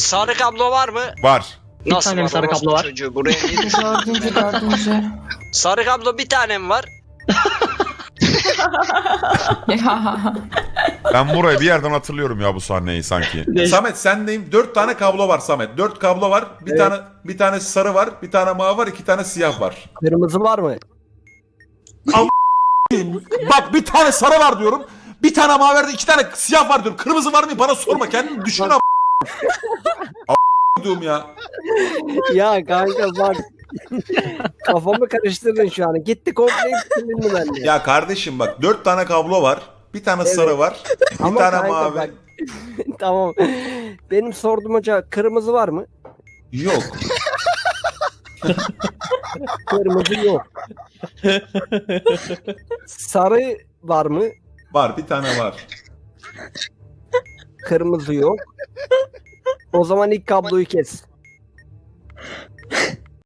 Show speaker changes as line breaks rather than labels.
Sarı kablo var mı?
Var.
Nasıl
tane mi
var?
sarı kablo
Orospu
var?
çocuğu, buraya niye
Dördüncü.
Sarı kablo bir tane mi var?
Ya.
Ben burayı bir yerden hatırlıyorum ya bu sahneyi sanki.
Samet sendeyim. 4 tane kablo var Samet. 4 kablo var. Bir tane sarı var, bir tane mavi var, 2 tane siyah var.
Kırmızı var mı?
Bak bir tane sarı var diyorum. Bir tane mavi var, 2 tane siyah var diyorum. Kırmızı var mı? Bana sorma. Kendini düşün diyorum ya.
Ya kanka bak. Kafamı karıştırdın şu an. Gitti komple bitirdin ben de.
Ya kardeşim bak 4 tane kablo var. Bir tane sarı var. Bir
Ama
tane
kanka
mavi.
bak- Tamam. Benim sorduğum hoca kırmızı var mı?
Yok.
Kırmızı yok. Sarı var mı?
Var bir tane var.
Kırmızı yok. O zaman ilk kabloyu kes.